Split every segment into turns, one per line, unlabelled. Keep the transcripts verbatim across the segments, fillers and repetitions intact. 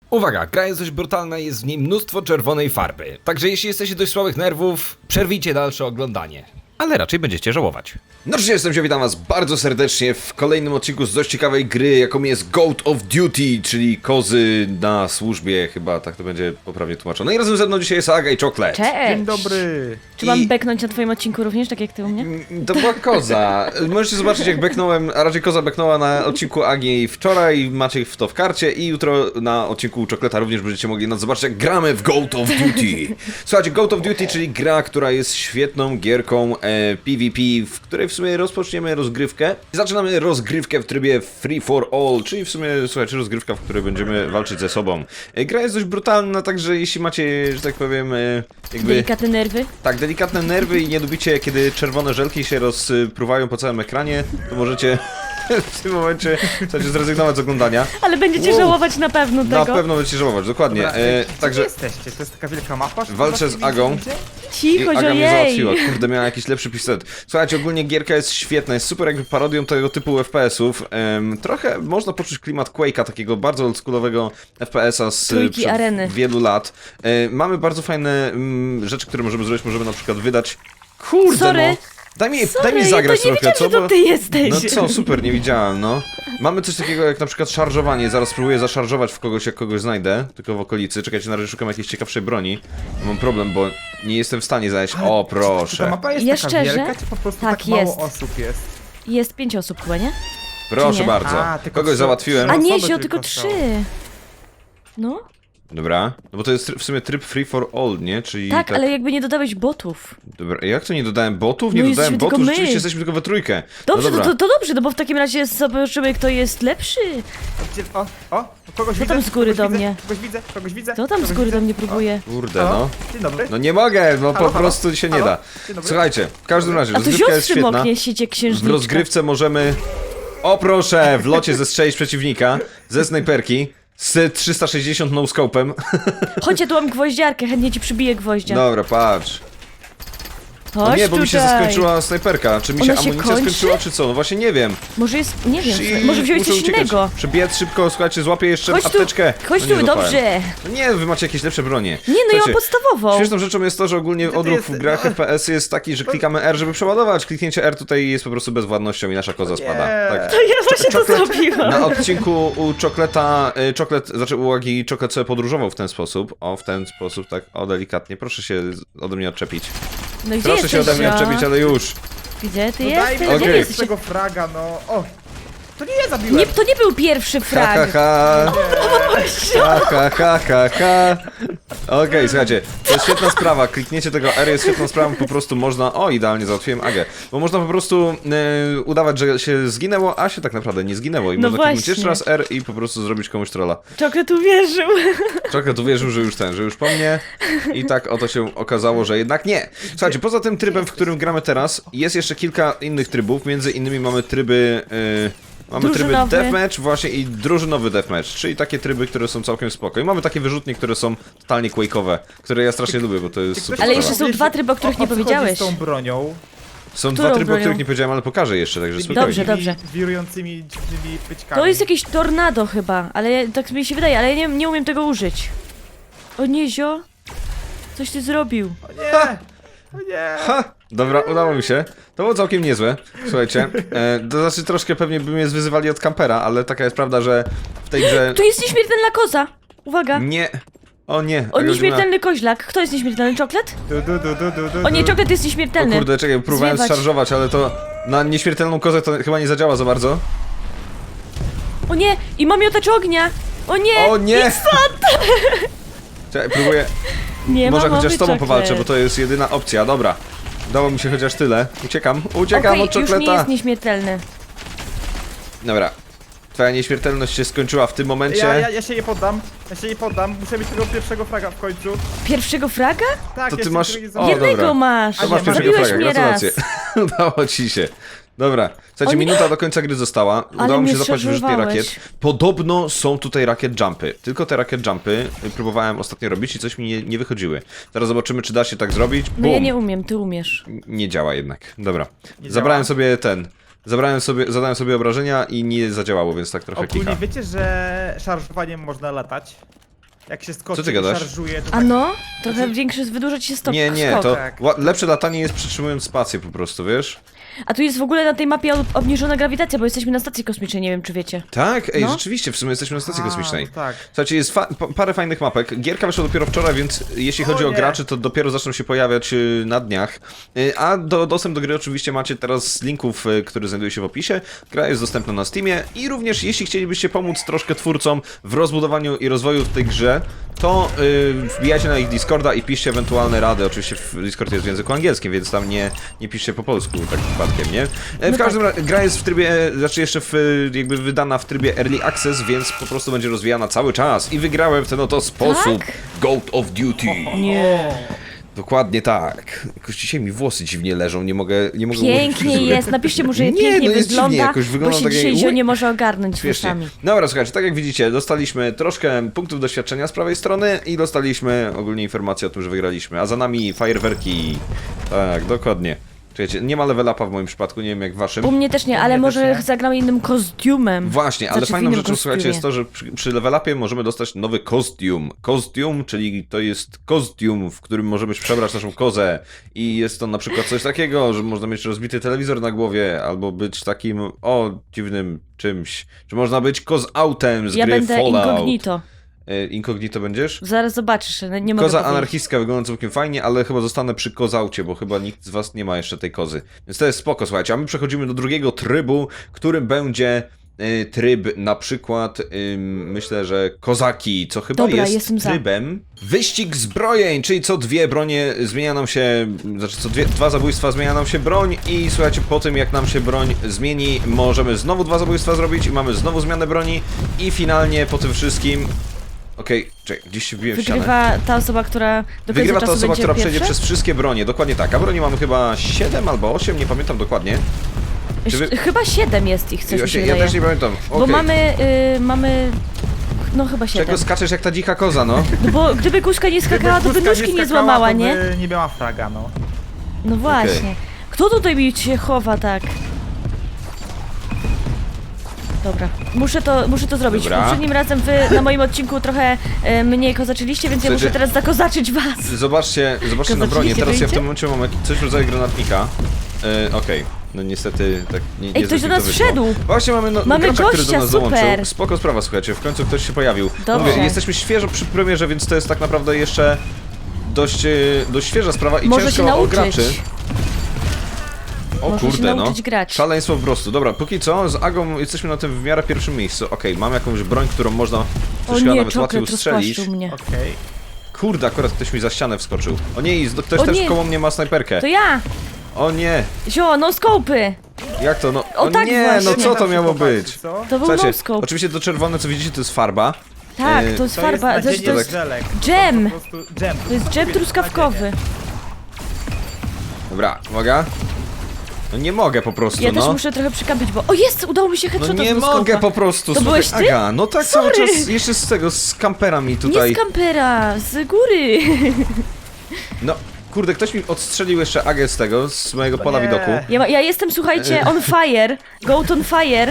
Uwaga, gra jest dość brutalna i jest w niej mnóstwo czerwonej farby. Także jeśli jesteście dość słabych nerwów, przerwijcie dalsze oglądanie. Ale raczej będziecie żałować.
No cześć, jestem się, witam was bardzo serdecznie w kolejnym odcinku z dość ciekawej gry, jaką jest Goat of Duty, czyli kozy na służbie, chyba tak to będzie poprawnie tłumaczone. I razem ze mną dzisiaj jest Aga i Chocolate.
Cześć!
Dzień dobry!
Czy mam
I-
beknąć na twoim odcinku również, tak jak ty u mnie?
Mm, To była koza. Możecie zobaczyć, jak beknąłem, a raczej koza beknęła na odcinku Agi wczoraj, macie w to w karcie i jutro na odcinku Chocolate'a również będziecie mogli nas zobaczyć, jak gramy w Goat of Duty. Słuchajcie, Goat of Duty, czyli gra, która jest świetną gierką e, PvP, w której w sumie rozpoczniemy rozgrywkę. Zaczynamy rozgrywkę w trybie free for all, czyli w sumie, słuchajcie, rozgrywka, w której będziemy walczyć ze sobą. E, gra jest dość brutalna, także jeśli macie, że tak powiem, e, jakby...
Delikatne nerwy.
Tak, delikatne nerwy i nie lubicie, kiedy czerwone żelki się rozpruwają po całym ekranie, to możecie w tym momencie chcecie zrezygnować z oglądania.
Ale będziecie
Wow.
żałować na pewno
Na
tego.
pewno będziecie żałować, dokładnie.
Dobra,
E,
gdzie
także
jesteście? To jest taka wielka mapa? że
walczę
chyba
z
nie
Agą.
widzicie?
i
Cicho, że
Aga mnie
jej!
załatwiła. Kurde, miała jakiś lepszy pistolet. Słuchajcie, ogólnie gierka jest świetna, jest super jakby parodią tego typu F P S-ów. Em, trochę można poczuć klimat Quake'a, takiego bardzo oldschoolowego F P S-a z
Trójki
przed
areny.
wielu lat. E, mamy bardzo fajne mm, rzeczy, które możemy zrobić. Możemy na przykład wydać... Kurde,
Sorry.
no! Daj mi,
Sorry,
daj mi
ja
zagrać
to nie
trochę,
wiedziałam,
co?
że to ty jesteś.
No co, super, nie widziałem, no. Mamy coś takiego jak na przykład szarżowanie. Zaraz spróbuję zaszarżować w kogoś, jak kogoś znajdę, tylko w okolicy. Czekajcie, na razie szukam jakiejś ciekawszej broni. Mam problem, bo nie jestem w stanie zajść. O,
Czy ta
proszę.
mapa jest
Ja
taka
szczerze?
wielka, czy po prostu
Tak,
tak, mało
jest.
osób jest?
Jest pięć osób chyba, nie?
Proszę
nie?
bardzo.
A, tylko
Kogoś
trzy-
załatwiłem.
A
osoby
nie, się
tylko
tylko
są.
trzy. No,
Dobra. No bo to jest tryb- w sumie tryb free for all, nie? Czyli
tak, ale jakby nie dodałeś botów.
Dobra, jak to nie dodałem botów? Nie
No
dodałem
jesteśmy tylko
botów,
my.
rzeczywiście jesteśmy tylko we trójkę.
Dobrze,
no
to,
dobra.
to, to dobrze, no bo w takim razie zobaczymy, kto jest lepszy.
Gdzie, o, o, kogoś
Kto
widzę?
tam z góry
kogoś
do
widzę,
mnie?
Kogoś widzę, kogoś widzę.
Kto tam z
kogoś
góry
widzę.
do mnie próbuje?
Kurde,
O,
no.
o, dzień dobry.
No nie mogę, no
Halo,
po
halo?
prostu się nie
Halo?
da.
Dzień dobry.
Słuchajcie, w każdym razie,
A to
rozgrywka jest
siostry
świetna.
moknie siecie
W
księżniczka.
rozgrywce możemy, o proszę, w locie zestrzelić przeciwnika ze snajperki z trzysta sześćdziesiąt no-scopem.
Chodź, ja tu mam gwoździarkę, chętnie ci przybiję gwoździa.
Dobra, patrz. No
Chodź
nie, bo mi się
tutaj.
skończyła snajperka. Czy mi się
Ona się
amunicja
kończy?
skończyła, czy co? No właśnie nie wiem.
Może jest, nie wiem,
I
może wziąłeś
muszę
coś
uciekać.
innego.
Przebiec szybko, słuchajcie, złapię jeszcze
Chodź tu,
apteczkę.
chodź
No nie
tu,
złapałem.
dobrze.
No nie, wy macie jakieś lepsze bronie.
Nie, no ja mam
Słuchajcie,
podstawową.
Śmieszną rzeczą jest to, że ogólnie
Gdzie ty
odruch w
jesteś?
grach F P S jest taki, że klikamy R, żeby przeładować. Kliknięcie R tutaj jest po prostu bezwładnością i nasza koza spada. Tak.
To ja właśnie to
Czoklet-
zrobiłam.
Na odcinku u Chocolate'a, y, Chocolate, znaczy u Agi Chocolate sobie podróżował w ten sposób. O, w ten sposób, tak, o, delikatnie. Proszę się z- ode mnie odczepić.
No i gdzie
Proszę
jesteś,
się ode mnie
ja?
odczepić, ale już.
Gdzie ty
No daj
jesteś?
mi
Okej.
Gdzie
okay.
jesteś?
tego fraga, no. O, to nie ja zabiłem.
Nie, to nie był pierwszy
Ha, ha,
frag.
ha. Ha, ha, ha, ha, ha. Okej, słuchajcie, to jest świetna sprawa. Kliknięcie tego R jest świetną sprawą, po prostu można... O, idealnie załatwiłem Agę. Bo można po prostu e, udawać, że się zginęło, a się tak naprawdę nie zginęło. I
No
można kliknąć
właśnie.
jeszcze raz R i po prostu zrobić komuś trolla.
Czokret uwierzył.
Trochę tu wierzył, że już ten, że już po mnie. I tak oto się okazało, że jednak nie. Słuchajcie, poza tym trybem, w którym gramy teraz, jest jeszcze kilka innych trybów. Między innymi mamy tryby... E, Mamy tryby
Drużynowy.
deathmatch właśnie i drużynowy deathmatch, czyli takie tryby, które są całkiem spoko. I mamy takie wyrzutnie, które są totalnie quake'owe, które ja strasznie lubię, bo to jest super
Ale
sprawa.
jeszcze są dwa tryby, o których nie
co chodzi
powiedziałeś.
z tą bronią?
Są
którą
dwa tryby, o
bronią?
których nie powiedziałem, ale pokażę jeszcze, także spokojnie.
Dobrze, dobrze.
Wirującymi dziwnymi pyczkami.
To jest jakieś tornado chyba, ale ja, tak mi się wydaje, ale ja nie, nie umiem tego użyć. O nie, zio? Coś ty zrobił.
O nie! O nie!
Ha! Dobra, udało mi się. To było całkiem niezłe. Słuchajcie, e, to znaczy troszkę pewnie by mnie zwyzywali od kampera, ale taka jest prawda, że w tej grze...
Tu jest nieśmiertelna koza. Uwaga.
Nie. O nie.
O,
Aga już miała-
nieśmiertelny koźlak. Kto jest nieśmiertelny? Czoklet?
Du, du, du, du, du, du,
O nie,
du.
czoklet jest
O
nieśmiertelny.
kurde, czekaj, próbowałem
Zwiewać.
szarżować, ale to na nieśmiertelną kozę to chyba nie zadziała za bardzo.
O nie, i mam miotacz ognia. O nie,
O nie!
idź stąd.
Czekaj, próbuję...
Nie
Może
ma
chociaż z
mowy,
tobą
czoklet.
powalczę, bo to jest jedyna opcja, dobra. Udało mi się chociaż tyle. Uciekam, uciekam
Okej,
od
już nie
czokoleta.
jest nieśmiertelny.
Dobra. Twoja nieśmiertelność się skończyła w tym momencie.
Ja, ja, ja się nie poddam, ja się nie poddam, muszę mieć tego pierwszego fraga w końcu.
Pierwszego fraga?
Tak,
To ty
jeszcze
masz-
którego nie
o,
zabiłem.
Jednego
dobra.
masz.
To
A
masz
nie,
pierwszego
zabiłeś
fraga,
mnie
gratulacje.
raz.
Udało ci się. Dobra, słuchajcie,
Oni-
minuta do końca gry została.
Ale
Udało mi
mnie
się zapaść wyrzutnie
zszarżowałeś.
rakiet. Podobno są tutaj rakiet jumpy. Tylko te rakiet jumpy próbowałem ostatnio robić i coś mi nie, nie wychodziły. Teraz zobaczymy, czy da się tak zrobić.
No
Bum.
ja nie umiem, ty umiesz.
Nie działa jednak. Dobra.
Nie
Zabrałem
działa?
sobie ten. Zabrałem sobie, zadałem sobie obrażenia i nie zadziałało, więc tak trochę
Ogólnie
kicha.
wiecie, że szarżowaniem można latać? Jak się skoczy
ty
i
gadasz?
szarżuje, to
A
tak...
no, trochę większy, wydłuża ci się stok.
Nie, nie,
skok.
to
Tak.
ła- lepsze latanie jest przytrzymując spację po prostu, wiesz?
A tu jest w ogóle na tej mapie ob- obniżona grawitacja, bo jesteśmy na stacji kosmicznej, nie wiem czy wiecie.
Tak? Ej,
No.
rzeczywiście, w sumie jesteśmy na stacji
A,
kosmicznej.
tak.
Słuchajcie, jest fa- pa- parę fajnych mapek. Gierka wyszła dopiero wczoraj, więc jeśli chodzi
O
o
nie.
graczy, to dopiero zaczną się pojawiać y, na dniach. Y, A do, dostęp do gry oczywiście macie teraz z linków, y, który znajduje się w opisie. Gra jest dostępna na Steamie i również jeśli chcielibyście pomóc troszkę twórcom w rozbudowaniu i rozwoju w tej grze, to y, wbijajcie na ich Discorda i piszcie ewentualne rady. Oczywiście w Discord jest w języku angielskim, więc tam nie, nie piszcie po polsku tak przypadkiem, nie? E, W
No
każdym
tak.
razie gra jest w trybie, znaczy jeszcze w, jakby wydana w trybie Early Access, więc po prostu będzie rozwijana cały czas. I wygrałem w ten oto sposób
Tak?
Goat of Duty.
Nie.
Dokładnie tak. Jakoś dzisiaj mi włosy dziwnie leżą, nie mogę, nie mogę ułożyć
Pięknie
fryzury.
jest, napiszcie mu, że
Nie,
pięknie
no jest
wygląda,
dziwnie, jakoś wygląda
bo się
tak jak-
dzisiaj Zio
Ui.
nie może ogarnąć
Śmiesznie.
włosami.
Dobra, słuchajcie, tak jak widzicie, dostaliśmy troszkę punktów doświadczenia z prawej strony i dostaliśmy ogólnie informację o tym, że wygraliśmy. A za nami fajerwerki. Tak, dokładnie. Czekajcie, nie ma level upa w moim przypadku, nie wiem jak w waszym.
U mnie też nie,
U
ale
mnie
może
też nie.
zagramy innym kostiumem.
Właśnie, ale
Znaczy, w
fajną
innym
rzeczą, słuchajcie, jest
kostiumie.
to, że przy, przy level upie możemy dostać nowy kostium. Kostium, czyli to jest kostium, w którym możemy przebrać naszą kozę. I jest to na przykład coś takiego, że można mieć rozbity telewizor na głowie, albo być takim, o, dziwnym czymś. Że można być koz-autem z
Ja
gry
będę
Fallout.
incognito.
E, Incognito będziesz?
Zaraz zobaczysz, no, nie mogę
Koza
powiedzieć.
anarchistka wygląda całkiem fajnie, ale chyba zostanę przy kozaucie, bo chyba nikt z was nie ma jeszcze tej kozy. Więc to jest spoko, słuchajcie. A my przechodzimy do drugiego trybu, którym będzie y, tryb na przykład, ym, myślę, że kozaki, co chyba
Dobra,
jest
jestem za.
trybem wyścig zbrojeń, czyli co dwie bronie zmienia nam się, znaczy co dwie, dwa zabójstwa zmienia nam się broń i słuchajcie, po tym jak nam się broń zmieni, możemy znowu dwa zabójstwa zrobić i mamy znowu zmianę broni i finalnie po tym wszystkim... Okej, czekaj, gdzieś się wbiłem w ścianę.
Wygrywa ta osoba, która do końca
Wygrywa ta
czasu
osoba,
będzie
która
pierwsza?
przejdzie przez wszystkie bronie, dokładnie tak. A broni mamy chyba siedem albo osiem, nie pamiętam dokładnie. Czy wy...
Chyba siedem jest ich, coś mi się
Właśnie, ja
wydaje.
też nie pamiętam.
Bo
Okej.
mamy, y, mamy... No chyba siedem.
Czego skaczesz jak ta dzika koza, no?
No bo gdyby kuszka nie skakała, to by
Gdyby
nóżki
Guska
nie
skakała,
złamała,
to
nie?
by nie miała fraga, no.
No właśnie. Kto tutaj mi się chowa tak? Dobra, muszę to, muszę to zrobić.
Dobra.
Poprzednim razem wy na moim odcinku trochę e, mniej kozaczyliście, więc ja
Słuchajcie,
muszę teraz zakozaczyć was.
Zobaczcie, zobaczcie na
Kozaczyliście,
bronię. Teraz ja w
wyjdzie?
tym momencie mam jakiś, coś w rodzaju granatnika. E, Okej, no niestety tak nie, nie
Ej, ktoś do
zbyt
nas
to wyszło.
wszedł.
Właśnie mamy, no,
Mamy
gracza, który do
gościa,
nas
super.
dołączył. Spoko sprawa, słuchajcie, w końcu ktoś się pojawił.
Dobrze.
Mówię, jesteśmy świeżo przy premierze, więc to jest tak naprawdę jeszcze dość, e, dość świeża sprawa i
Może
ciężko
się
o
nauczyć.
graczy. O
Może się
kurde, no.
nauczyć grać.
Szaleństwo po prostu. Dobra, póki co, z Agą jesteśmy na tym w miarę pierwszym miejscu. Okej, mam jakąś broń, którą można
O
coś chyba
nie,
nawet łatwiej
czoklet
ustrzelić.
rozpłaszczył mnie.
Okej.
Kurde, akurat ktoś mi za ścianę wskoczył. O nie, i z- ktoś
O
też
nie.
koło mnie ma snajperkę.
To ja!
O nie,
Zio, no skopy!
jak to? No,
O tak
nie,
właśnie.
no co to
Tam się
miało
popatrzy,
być?
Co?
To był
Słuchajcie,
no-scope.
oczywiście to czerwone, co widzicie, to jest farba.
Tak,
e,
to jest
To
farba,
jest
znaczy
nadzienie
to jest
żelek.
dżem.
To, po prostu dżem.
To jest dżem truskawkowy.
Dobra, uwaga. No nie mogę po prostu,
Ja
no.
też muszę trochę przykapić, bo... O jest! Udało mi się
No
headshota
nie
z
mogę
no-scope'a.
po prostu,
To
słuchaj,
byłeś ty?
Aga, no tak cały
Sorry.
czas, jeszcze z tego, z kamperami tutaj.
Nie z kampera, z góry.
No, kurde, ktoś mi odstrzelił jeszcze Agę z tego, z mojego pola
nie.
widoku.
Ja, ma- ja jestem, słuchajcie, on fire. Goat on fire.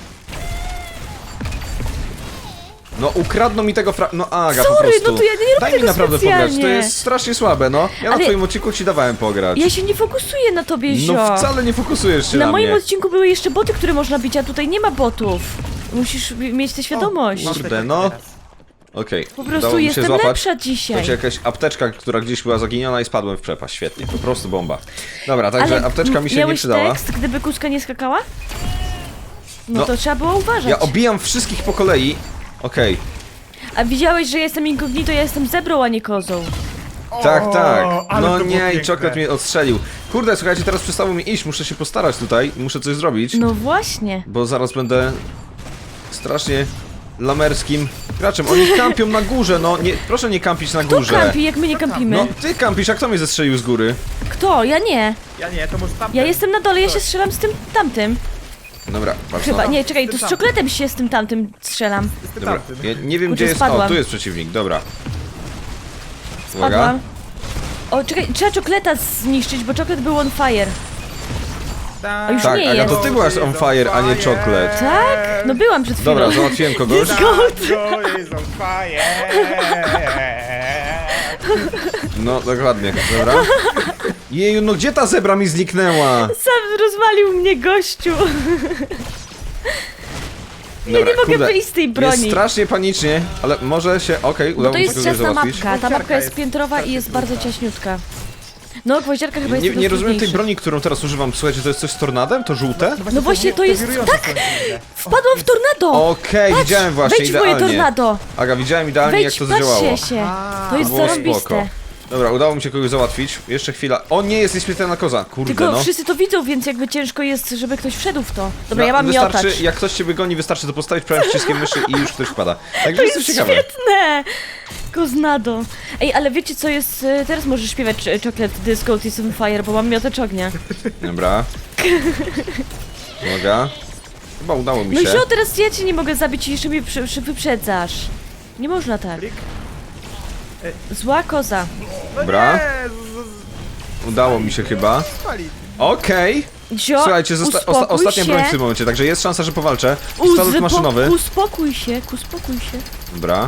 No ukradną mi tego fra... No Aga,
Sorry,
po prostu.
no to ja nie robię
Daj mi
tego
naprawdę
specjalnie.
pograć, to jest strasznie słabe, no. Ja na
Ale-
twoim odcinku ci dawałem pograć.
Ja się nie fokusuję na tobie, Zio.
No wcale nie fokusujesz się na,
Na moim
mnie.
odcinku były jeszcze boty, które można bić, a tutaj nie ma botów. Musisz mieć tę świadomość.
O,
Kurde,
masz
no.
teraz.
Okej,
Po
udało
prostu
mi się
jestem
złapać.
lepsza
To
dzisiaj.
się jakaś apteczka, która gdzieś była zaginiona i spadłem w przepaść. Świetnie, po prostu bomba. Dobra, także
Ale
apteczka mi się nie
miałeś
przydała.
tekst, gdyby kuska nie skakała? No,
No.
to trzeba było uważać.
Ja obijam wszystkich po kolei. Okej,
A widziałeś, że jestem incognito, ja jestem zebrą, a nie kozą.
tak,
O,
tak.
ale
No
to było
nie, i
piękne.
czoklet mnie odstrzelił. Kurde, słuchajcie, teraz przestało mi iść, muszę się postarać tutaj, muszę coś zrobić.
No właśnie.
Bo zaraz będę strasznie lamerskim graczem. Oni kampią na górze, no nie, proszę nie kampić na
Kto
górze.
kampi, jak my nie kampimy?
No ty kampisz, a kto mnie zestrzelił z góry?
Kto? Ja nie.
Ja nie, to może tam.
Ja jestem na dole, ja się strzelam z tym tamtym.
Dobra, patrz
Chyba,
no.
nie, czekaj, to z czokletem się z tym tamtym strzelam.
Dobra, ja nie wiem
Kurczę,
gdzie jest...
spadłam.
O, tu jest przeciwnik, dobra. Uwaga.
Spadłam. O, czekaj, trzeba czokleta zniszczyć, bo czoklet był on fire. A już
Tak,
nie
Aga,
jest.
to ty byłaś on fire, a nie chocolate.
Tak? No byłam przed chwilą.
Dobra, załatwiłem kogoś.
Go is on fire.
No, dokładnie, dobra. Jeju, no gdzie ta zebra mi zniknęła?
Sam rozwalił mnie gościu.
Dobra,
nie mogę
kurde,
wyjść z tej broni.
Jest strasznie panicznie, ale może się, okej,
Bo
udało
to
mi się
jest
kogoś
ciasna
załatwić.
mapka, ta mapka jest
jest
piętrowa i jest bardzo ciaśniutka. No, gwoździarka chyba jest
Nie,
jedną
nie
z
rozumiem tej
trudniejszych.
broni, którą teraz używam. Słuchajcie, to jest coś z tornadem? To żółte?
No właśnie, to jest...
wirujące
Tak!
są dziwne.
Wpadłam w tornado!
Okej,
Patrz,
widziałem właśnie
wejdź w moje
idealnie.
tornado!
Aga, widziałem idealnie
Wejdź,
jak to zadziałało.
patrzcie się!
A,
To jest
było spoko.
zarąbiste.
Dobra, udało mi się kogoś załatwić. Jeszcze chwila. O nie, jest nieśmiertelna koza. Kurde
Tylko
no.
wszyscy to widzą, więc jakby ciężko jest, żeby ktoś wszedł w to. Dobra,
No,
ja mam
wystarczy,
miotacz.
jak ktoś cię wygoni, wystarczy to postawić prawym przyciskiem myszy i już ktoś wpada. Także
To
jest
jest
to ciekawe.
świetne! Koznado. Ej, ale wiecie co jest... y, Teraz możesz śpiewać y, Chocolate Disco Is on Fire, bo mam miotacz ognia.
Dobra. Uwaga. Chyba udało mi
No i
się.
co, teraz ja cię nie mogę zabić i jeszcze mnie przy, przy, wyprzedzasz. Nie można tak.
Klik.
Zła koza.
No
Dobra.
nie, z- z-
Udało mi się chyba.
spali.
Okej.
Zio,
Słuchajcie, zosta- osta
uspokój
ostatnia
się.
broń w tym momencie, także jest szansa, że powalczę. Pistolet
Uzbo-
maszynowy.
Uspokój się, uspokój się.
Dobra.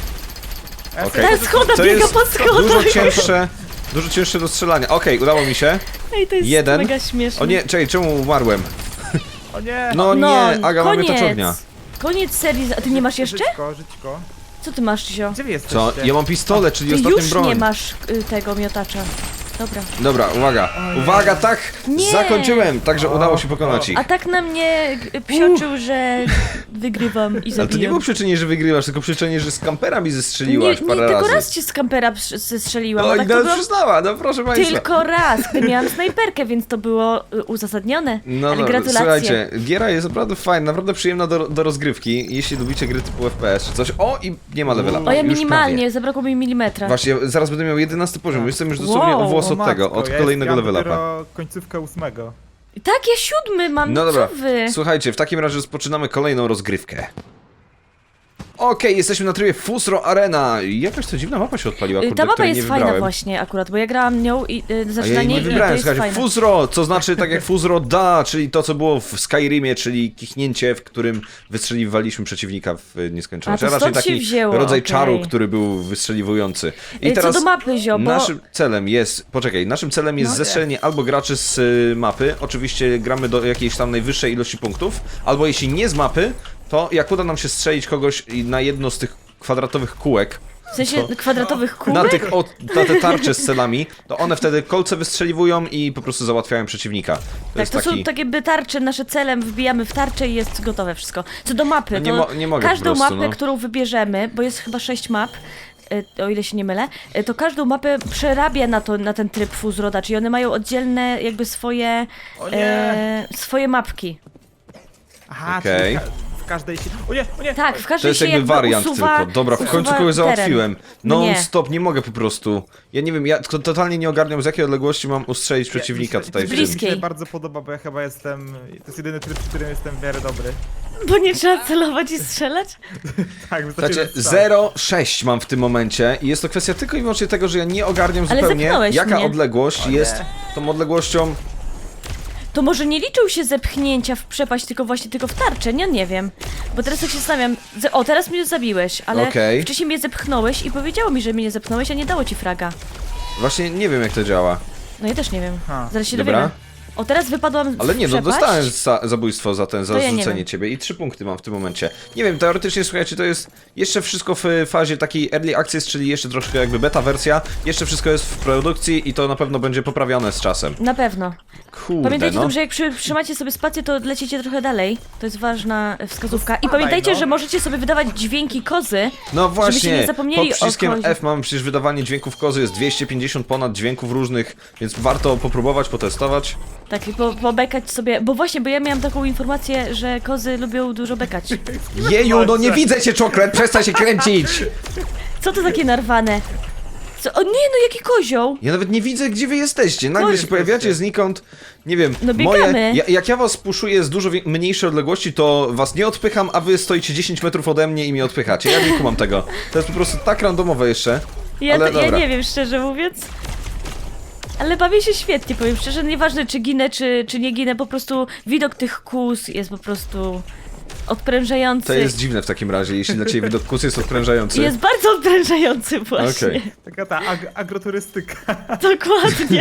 Ja
Okej.
Ta schoda
To
biega
jest
po schodach.
dużo cięższe, dużo cięższe do strzelania. Okej, udało mi się.
Ej, to jest
Jeden.
mega śmieszne.
O nie, czekaj, czemu umarłem?
O nie.
No,
no
nie, Aga, mamy
koniec.
to ognia.
Koniec serii. A ty nie masz jeszcze?
Żyćko, żyćko.
Co ty masz, Zio?
Gdzie wy jesteście?
Co? Ja mam pistolet, czyli
Ty
ostatnią
już
broń.
nie masz y, tego miotacza. Dobra.
Dobra, uwaga. Uwaga, tak!
Nie.
Zakończyłem, także udało się pokonać ich.
A tak na mnie y, psioczył, że wygrywam i zabijam.
Ale to nie było przyczynie, że wygrywasz, tylko przyczynie, że z kampera mi zestrzeliłaś
nie, nie,
parę
tylko
razy.
raz cię z kampera przy- zestrzeliłam,
No
a
i
tak to
nawet
było
przyznała, no proszę państwa.
tylko raz, gdy miałam snajperkę, więc to było y, uzasadnione.
No
Ale
dobra,
gratulacje.
słuchajcie, giera jest naprawdę fajna, naprawdę przyjemna do, do rozgrywki, jeśli lubicie gry typu F P S czy coś. O, i nie ma levela.
O, ja
Już
minimalnie,
prawie.
zabrakło mi milimetra.
Właśnie, zaraz będę miał jedenasty poziom, jestem już dosłownie
Wow,
o włos
O
od tego,
matko,
od
ja
kolejnego
jest, ja mam
levela.
dopiero końcówkę ósmego.
Tak, ja siódmy mam,
No dobra,
co wy?
słuchajcie, w takim razie rozpoczynamy kolejną rozgrywkę. Okej, jesteśmy na trybie Fusro Arena. Jakaś to dziwna mapa się odpaliła,
Y,
kurde,
Ta mapa
której
jest
nie
fajna
wybrałem.
właśnie akurat, bo ja grałam nią i y,
A
zaczyna
ja jej
niej
nie
i to
wybrałem,
jest
słuchajcie,
fajne.
Fuzro, co znaczy tak jak Fuzro da, czyli to co było w Skyrimie, czyli kichnięcie, w którym wystrzeliwaliśmy przeciwnika w nieskończoność.
A, to
raczej
stąd się
taki
wzięło,
rodzaj
okej.
czaru, który był wystrzeliwujący. I
Y,
teraz
Co do mapy, Zio, bo...
naszym celem jest, poczekaj, naszym celem jest
No.
zestrzelenie albo graczy z y, mapy, oczywiście gramy do jakiejś tam najwyższej ilości punktów, albo jeśli nie z mapy, to jak uda nam się strzelić kogoś na jedno z tych kwadratowych kółek,
W sensie kwadratowych kółek?
na, tych, o, na te tarcze z celami, to one wtedy kolce wystrzeliwują i po prostu załatwiają przeciwnika. To
Tak,
jest
to
taki...
są takie by tarcze, nasze celem, wbijamy w tarczę i jest gotowe wszystko. Co do mapy,
No nie
to
mo- nie mogę po
każdą
prostu,
mapę,
no.
którą wybierzemy, bo jest chyba sześć map, y, o ile się nie mylę, y, to każdą mapę przerabia na, to, na ten tryb Fuzroda, czyli one mają oddzielne jakby swoje,
O nie.
e, swoje mapki.
Aha,
Okej.
czyli ka- w każdej się... O nie, o nie!
Tak, w
To
każdej
jest
się
jakby wariant
usuwa,
tylko. Dobra, w końcu
usuwa
kogoś
teren.
załatwiłem.
No
Non
nie.
stop, nie mogę po prostu. Ja nie wiem, ja to totalnie nie ogarniam z jakiej odległości mam ustrzelić przeciwnika
Ja-
tutaj w
to
tym.
Mi się
Bliskiej.
bardzo podoba, bo ja chyba jestem... To jest jedyny tryb, w którym jestem w miarę dobry.
Bo nie trzeba celować i strzelać?
Tak, wystarczy
Znaczy,
jeden strzał.
zero sześć mam w tym momencie i jest to kwestia tylko i wyłącznie tego, że ja nie ogarniam
Ale
zupełnie,
zepchnąłeś
jaka
mnie.
odległość
O nie.
jest tą odległością.
To może nie liczył się zepchnięcia w przepaść, tylko właśnie tylko w tarczę, nie, nie wiem. Bo teraz tak się zastanawiam, ze- o teraz mnie zabiłeś, ale
Okej.
wcześniej mnie zepchnąłeś i powiedziało mi, że mnie nie zepchnąłeś, a nie dało ci fraga.
Właśnie nie wiem jak to działa.
No ja też nie wiem,
Ha.
zaraz się
Dobra.
dowiemy. O teraz wypadłam
Ale nie,
w
no
przepaść.
dostałem za, zabójstwo za ten, za
To ja nie
zrzucenie
wiem.
ciebie i trzy punkty mam w tym momencie. Nie wiem, teoretycznie słuchajcie, to jest jeszcze wszystko w fazie takiej early access, czyli jeszcze troszkę jakby beta wersja. Jeszcze wszystko jest w produkcji i to na pewno będzie poprawione z czasem.
Na pewno.
Kurde,
Pamiętajcie
no.
tym, że jak przy, trzymacie sobie spację, to lecicie trochę dalej. To jest ważna e, wskazówka. I
Spadaj,
pamiętajcie,
no.
że możecie sobie wydawać dźwięki kozy.
No właśnie,
nie zapomnieli
pod przyciskiem
o kozie.
F mam przecież wydawanie dźwięków kozy, jest dwieście pięćdziesiąt ponad dźwięków różnych, więc warto popróbować, potestować.
Tak, i po, pobekać sobie. Bo właśnie, bo ja miałam taką informację, że kozy lubią dużo bekać.
Jeju, no nie widzę cię, czoklet, przestań się kręcić!
Co to takie narwane? Co? O nie, no jaki kozioł!
Ja nawet nie widzę, gdzie wy jesteście. Nagle
Chodź,
się pojawiacie znikąd. Nie wiem,
No
moje.
biegamy.
Ja, jak ja was puszuję z dużo wie- mniejszej odległości, to was nie odpycham, a wy stoicie dziesięć metrów ode mnie i mnie odpychacie. Ja nie kumam tego. To jest po prostu tak randomowe jeszcze.
Ja,
Ale
to, ja
dobra.
nie wiem, szczerze mówiąc. Ale bawię się świetnie, powiem szczerze, nieważne czy ginę, czy, czy nie ginę, po prostu widok tych kus jest po prostu odprężający.
To jest dziwne w takim razie, jeśli dla ciebie widok kus jest odprężający.
Jest bardzo odprężający właśnie.
Okej.
Taka ta ag agroturystyka.
Dokładnie.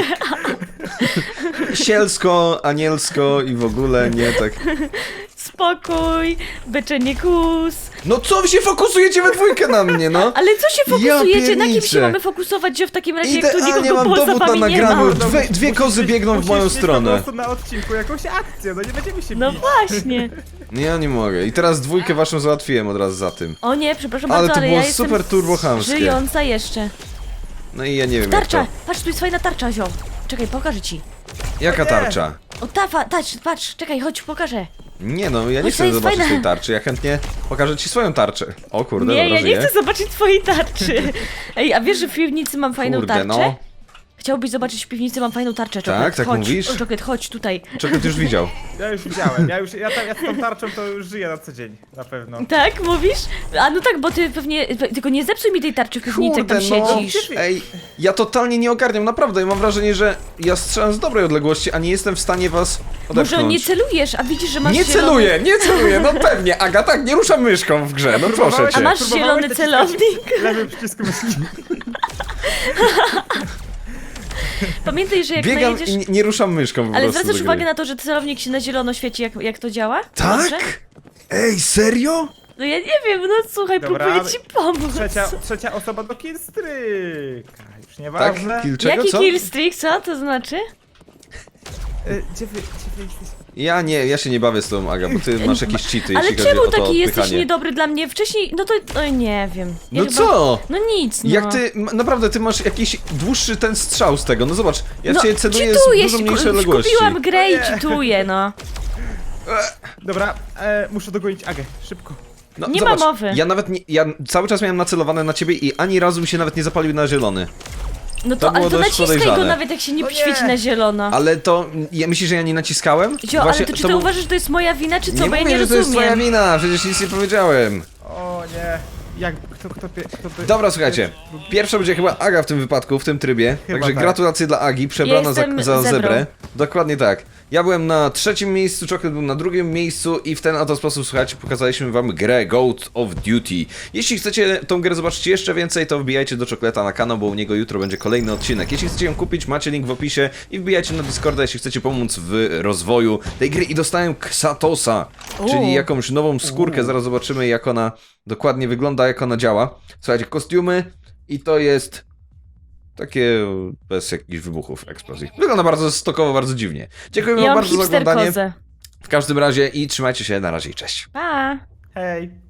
Sielsko, anielsko i w ogóle nie tak.
Spokój, beczenie kus.
No co wy się fokusujecie we dwójkę na mnie, no?
Ale co się
Ja
fokusujecie? Na kim się
pierniczę.
mamy fokusować, że w takim razie jak tu
Idealnie
nikogo
mam
poza
dowód na
wami nie ma?
nagraniu.
No,
Dwie, dwie
musisz
kozy
mieć-
biegną w
musisz
moją
mieć po
stronę.
prostu na odcinku jakąś akcję, no nie będziemy się
No
bić.
właśnie.
Ja nie mogę. I teraz dwójkę waszą załatwiłem od razu za tym.
O nie, przepraszam
Ale
bardzo,
to
ale
było
ja jestem
super turbohamskie.
żyjąca jeszcze.
No i ja nie wiem jak
Tarcza!
to.
Patrz, tu jest fajna tarcza, zio. Czekaj, pokażę ci.
Jaka tarcza?
O, ta, fa- patrz, patrz, czekaj, chodź, pokażę.
Nie no, ja nie
Chodź, to
chcę
jest
zobaczyć
fajne.
swojej tarczy. Ja chętnie pokażę ci swoją tarczę. O kurde,
Nie,
dobra,
ja nie
żyję.
chcę zobaczyć twojej tarczy. Ej, a wiesz, że w piwnicy mam fajną
Kurde,
tarczę?
no.
Chciałbyś zobaczyć w piwnicy, mam fajną tarczę,
Tak,
Czoklet.
tak
chodź,
mówisz?
O, Czoklet, chodź tutaj.
Czekaj, ty już widział.
Ja już widziałem, ja już, ja, tam, ja z tą tarczą to już żyję na co dzień, na pewno.
Tak, mówisz? A no tak, bo ty pewnie, tylko nie zepsuj mi tej tarczy w piwnicy, jak tam
Kurde, no.
siedzisz.
Ej, ja totalnie nie ogarniam, naprawdę. Ja mam wrażenie, że ja strzelam z dobrej odległości, a nie jestem w stanie was odepchnąć.
Może nie celujesz, a widzisz, że masz
Nie
zielony...
celuję, nie celuję, no pewnie. Aga, tak, nie ruszam myszką w grze, no proszę
Próbowałeś-
cię.
A masz
Próbowałeś
zielony
naciskać
celownik?
Lewy przycisk myszki.
Pamiętaj, że jak
Biegam
najedziesz...
i nie, nie ruszam myszką po
Ale
prostu
zwracasz
do
uwagę
gry.
na to, że celownik się na zielono świeci, jak, jak to działa?
Tak?
Dobrze?
Ej, serio?
No ja nie wiem, no słuchaj,
Dobra,
próbuję ci pomóc.
Trzecia, trzecia osoba do killstreaka. Już
Tak?
nieważne.
Kill czego,
Jaki
co?
killstreak, co to znaczy?
Y, Gdzie wy, gdzie wy jesteście?
Ja nie, ja się nie bawię z tą, Aga, bo ty masz jakieś cheaty,
Ale
jeśli chodzi
czemu
o to
taki jesteś
odpychanie.
niedobry dla mnie? Wcześniej, no to, no nie wiem. Ja
No
chyba-
co?
No nic, no.
Jak ty, m- naprawdę, ty masz jakiś dłuższy ten strzał z tego, no zobacz, ja
no,
cię celuję
cheatujesz,
z dużo
ku-
mniejszej odległości.
Kupiłam grę i
O nie.
cheatuję, no.
Dobra, e, muszę dogonić Agę, szybko.
No,
Nie
zobacz,
ma mowy.
Ja nawet nie, ja cały czas miałem nacelowane na ciebie i ani razu mi się nawet nie zapalił na zielony.
No
To
to, ale
było
to
dość
naciskaj go
podejrzane.
nawet jak się nie
O nie.
świeci na zielono.
Ale to, ja myślisz, że ja nie naciskałem?
Zio, ale to czy ty
był-
uważasz, że to jest moja wina, czy co?
Nie
Bo ja
mówię,
nie
że to jest twoja
rozumiem.
wina, przecież nic nie powiedziałem.
O nie. Jak, kto, kto, kto, kto by...
Dobra, słuchajcie, pierwsza będzie chyba Aga w tym wypadku, w tym trybie,
Chyba
także
tak.
gratulacje dla Agi, przebrana za,
Jestem
za
zebrą.
zebrę. Dokładnie tak. Ja byłem na trzecim miejscu, Czoklet był na drugim miejscu i w ten oto sposób, słuchajcie, pokazaliśmy wam grę Goat of Duty. Jeśli chcecie tą grę zobaczyć jeszcze więcej, to wbijajcie do Czokleta na kanał, bo u niego jutro będzie kolejny odcinek. Jeśli chcecie ją kupić, macie link w opisie i wbijajcie na Discorda, jeśli chcecie pomóc w rozwoju tej gry. I dostałem Xatosa,
U.
czyli jakąś nową skórkę, zaraz zobaczymy jak ona dokładnie wygląda, jak ona działa. Słuchajcie, kostiumy i to jest... Takie bez jakichś wybuchów, eksplozji. Wygląda bardzo stokowo, bardzo dziwnie. Dziękuję
Ja
wam
mam
bardzo za
hipster
oglądanie.
kozę.
W każdym razie i trzymajcie się, na razie i cześć.
Pa!
Hej.